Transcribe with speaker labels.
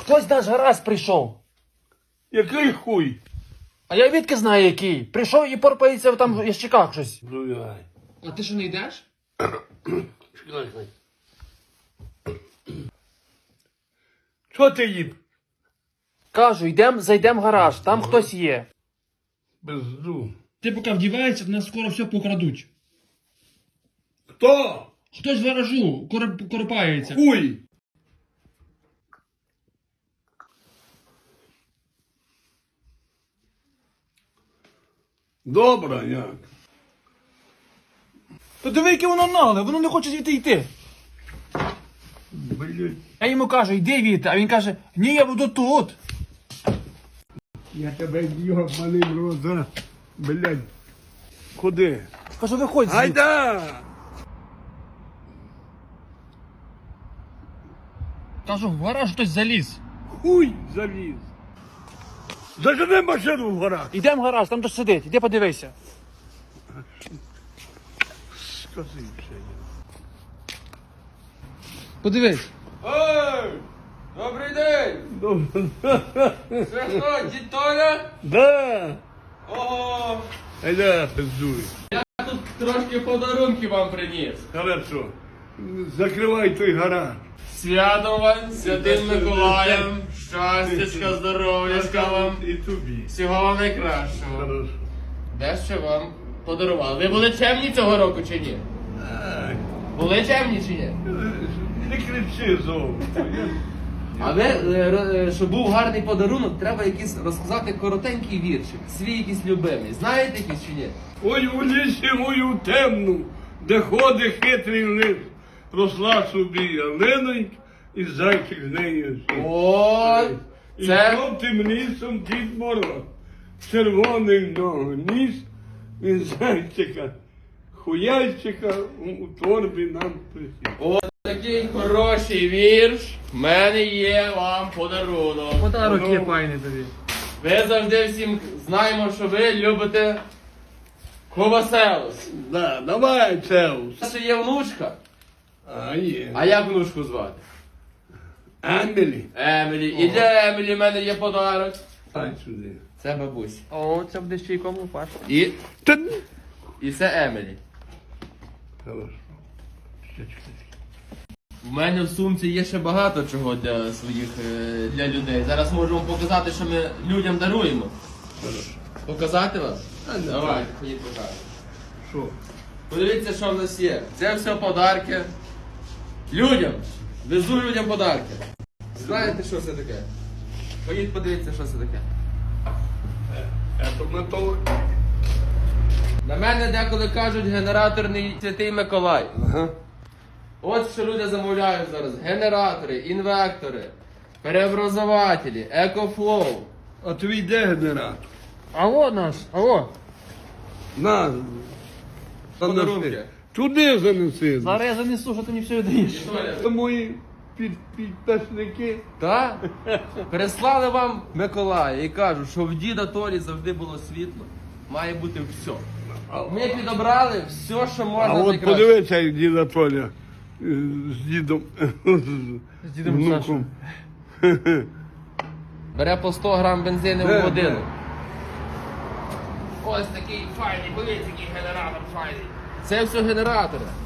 Speaker 1: Хтось наш гаразд прийшов.
Speaker 2: Який хуй?
Speaker 1: А я відки знаю який. Прийшов і порпається там в ящиках щось.
Speaker 2: Зуяй.
Speaker 1: А ти що не йдеш?
Speaker 2: Чекай. Що ти їм?
Speaker 1: Кажу, зайдем в гараж, там хтось є.
Speaker 2: Безду.
Speaker 3: Ти поки вдіваєшся, нас скоро все покрадуть.
Speaker 2: Хто?
Speaker 3: Хтось в гаражу корпається.
Speaker 2: Хуй. Добре, як?
Speaker 1: То диви, яке воно нагле, воно не хоче звідти йти.
Speaker 2: Блять.
Speaker 1: Я йому кажу, йди звідти, а він каже, ні, я буду тут.
Speaker 2: Я тебе йобаний рот зараз. Блять. Куди?
Speaker 1: Кажу, виходь звідти.
Speaker 2: Айда!
Speaker 3: Кажу, в гараж хтось заліз.
Speaker 2: Хуй заліз. Зажени машину в горах.
Speaker 1: Йдемо в гараж, там хтось сидить, іди подивися.
Speaker 2: Скажи ще.
Speaker 1: Подивись.
Speaker 4: Ой! Добрий день! Це хто, дід Толя?
Speaker 2: Да.
Speaker 4: Ого!
Speaker 2: Айда, пиздуй.
Speaker 4: Я тут трошки подарунки вам приніс.
Speaker 2: Хорошо. Закривай той гараж.
Speaker 4: Святом вам, Святим Миколаєм, щастячка, здоров'ячка вам,
Speaker 2: І тобі.
Speaker 4: всього вам найкращого.
Speaker 2: Хорошо.
Speaker 4: Дещо вам подарували. Ви були чемні цього року чи ні?
Speaker 2: Ай,
Speaker 4: Були чемні чи ні?
Speaker 2: не кричи зовсім.
Speaker 4: Але щоб був гарний подарунок, треба якийсь розказати коротенький віршик. Свій якийсь любимий. Знаєте якийсь чи ні?
Speaker 2: Ой, у лісі мою темну, де ходить хитрий лис, росла собі ялинонька, і зайчик з нею.
Speaker 4: О,
Speaker 2: І
Speaker 4: це
Speaker 2: жовтим лісом Дід Мороз, червоний ногу ніс, і зайчика, хуяйчика у торбі нам присів.
Speaker 4: такий хороший вірш. В мене є вам подарунок.
Speaker 1: Подарок є файний тобі.
Speaker 4: Ви завжди всім знаємо, що ви любите коваселус.
Speaker 2: Да, давай, Цеус.
Speaker 4: Це є внучка.
Speaker 2: А є.
Speaker 4: А як внучку звати?
Speaker 2: Емілі.
Speaker 4: Емілі. І для Емілі в мене є подарок.
Speaker 2: Ай сюди.
Speaker 4: Це бабусь.
Speaker 1: О, це буде ще й кому пашка.
Speaker 4: І, і це Емілі.
Speaker 2: Хорошо.
Speaker 4: В мене в сумці є ще багато чого для своїх для людей. Зараз можу вам показати, що ми людям даруємо. Показати вам? Давайте, ходіть покажемо.
Speaker 2: Що?
Speaker 4: Подивіться, що в нас є. Це все подарки. Людям. Везу людям подарки. Знаєте, що це таке? Ходіть подивіться, що це таке.
Speaker 2: Это на то.
Speaker 4: На мене деколи кажуть генераторний Святий Миколай.
Speaker 2: Ага.
Speaker 4: От що люди замовляють зараз. Генератори, інвектори, переобразователі, екофлоу.
Speaker 2: А твій де генератор?
Speaker 1: Алло наш, алло.
Speaker 2: На.
Speaker 4: Подарунки.
Speaker 2: Занеси. Туди занеси.
Speaker 1: Зараз я занесу, що ти мені все віддаєш.
Speaker 2: Це мої підписники.
Speaker 4: Так? Переслали вам Миколая і кажуть, що в діда Толі завжди було світло. Має бути все. Ми підобрали все, що можна
Speaker 2: А от
Speaker 4: найкраще.
Speaker 2: подивися, як діда Толя з дідом.
Speaker 1: З дідом
Speaker 2: внуком.
Speaker 4: Бере по 100 грам бензину
Speaker 2: Де,
Speaker 4: в годину.
Speaker 2: де?
Speaker 4: Ось такий файний, подивіться, який генератор файний. Це все генератори.